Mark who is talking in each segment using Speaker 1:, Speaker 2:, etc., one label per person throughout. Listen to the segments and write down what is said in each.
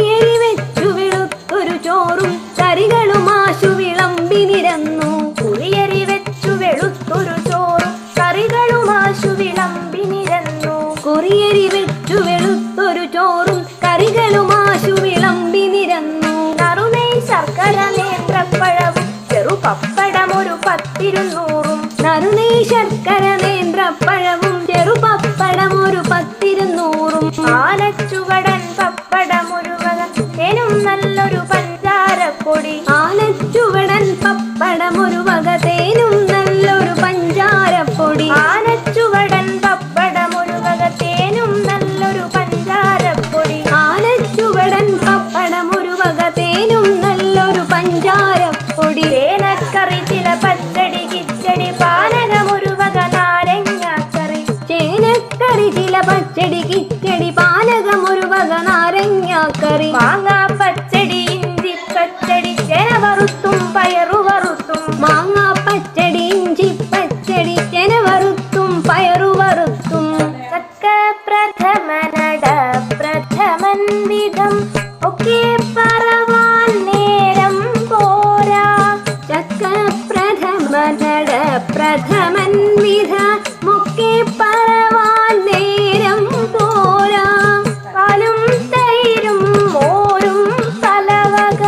Speaker 1: കുറിയരി വെച്ചു വെളുത്തൊരു ചോറും കറികളും ആശു വിളമ്പി നിരന്നു. കുറിയരി വെച്ചു വെളുത്തൊരു ചോറും കറികളും ആശു വിളമ്പി നിരന്നു. കുറിയരി വെച്ചു വെളുത്തൊരു ചോറും കറികളും ആശു വിളമ്പി നിരന്നു. നറുനെയ് ശർക്കര നേന്ത്രപ്പഴവും ചെറുപപ്പടം ഒരു 10-200. നറുനെയ് ശർക്കര നേന്ത്രപ്പഴവും ചെറുപപ്പടം ഒരു 10-200. ആനച്ചുവടൻ പപ്പടം ഒരു വക തേനും നല്ലൊരു പഞ്ചാരപ്പൊടി. ആനച്ചുവടൻ പപ്പടം ഒരു വക തേനും നല്ലൊരു പഞ്ചാരപ്പൊടി. ആനച്ചുവടൻ പപ്പടം ഒരു വക തേനും നല്ലൊരു പഞ്ചാരപ്പൊടി. ആനച്ചുവടൻ പപ്പടം ഒരു വക തേനും നല്ലൊരു പഞ്ചാരപ്പൊടി. ചേനക്കറി ചില പച്ചടി കിച്ചടി പാനകം ഒരു വക നാരങ്ങാക്കറി. ചേനക്കറി ചില പച്ചടി കിച്ചടി പാനകം ഒരു വക നാരങ്ങാക്കറി. മാങ്ങാ പച്ചടി ഇഞ്ചി പച്ചടി ചേന വറുത്തും പയറു വറുത്തും. മാങ്ങാ പച്ചടി ഇഞ്ചി പച്ചടി ചേന വറുത്തും പയറു വറുത്തും. ചക്ക പ്രഥമനട പ്രഥമൻ വിധം ഒക്കെ പറവാൻ നേരം പോരാ. ചക്ക പ്രഥമനട പ്രഥമൻ വിധമൊക്കെ പറവാൻ നേരം പോരാ. പാലും തൈരും മോരും പലവക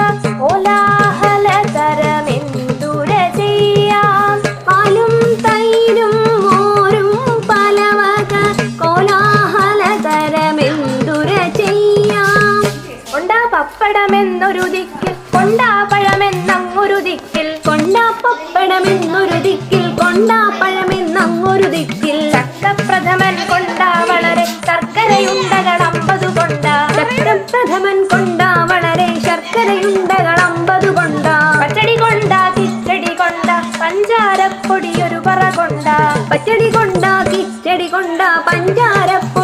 Speaker 1: കോലാഹലതരമെന്തുര ചെയ്യാം. പാലും തൈരും മോരും പലവക കോലാഹലതരമെന്തുര ചെയ്യാം. കൊണ്ടാ പപ്പടമെന്നൊരു ദിക്കിൽ കൊണ്ടാ പഴമെന്നങ്ങൊരു ദിക്കിൽ. കൊണ്ടാ പപ്പടമെന്നൊരു ദിക്കിൽ കൊണ്ടാ പഴമെന്നങ്ങൊരു ദിക്കിൽ. ചക്കപ്രഥമൻ കൊണ്ടാ വളരെ ശർക്കരയുണ്ടകൾ 50 കൊണ്ടാ. ചക്കപ്രഥമൻ കൊണ്ടാ വളരെ ശർക്കരയുണ്ടകൾ 50 കൊണ്ടാ. പച്ചടി കൊണ്ടാ കിച്ചടി കൊണ്ടാ പഞ്ചാരപ്പൊടി ഒരു പറ കൊണ്ടാ. പച്ചടി കൊണ്ടാ കിച്ചടി കൊണ്ടാ പഞ്ചാരപ്പൊടി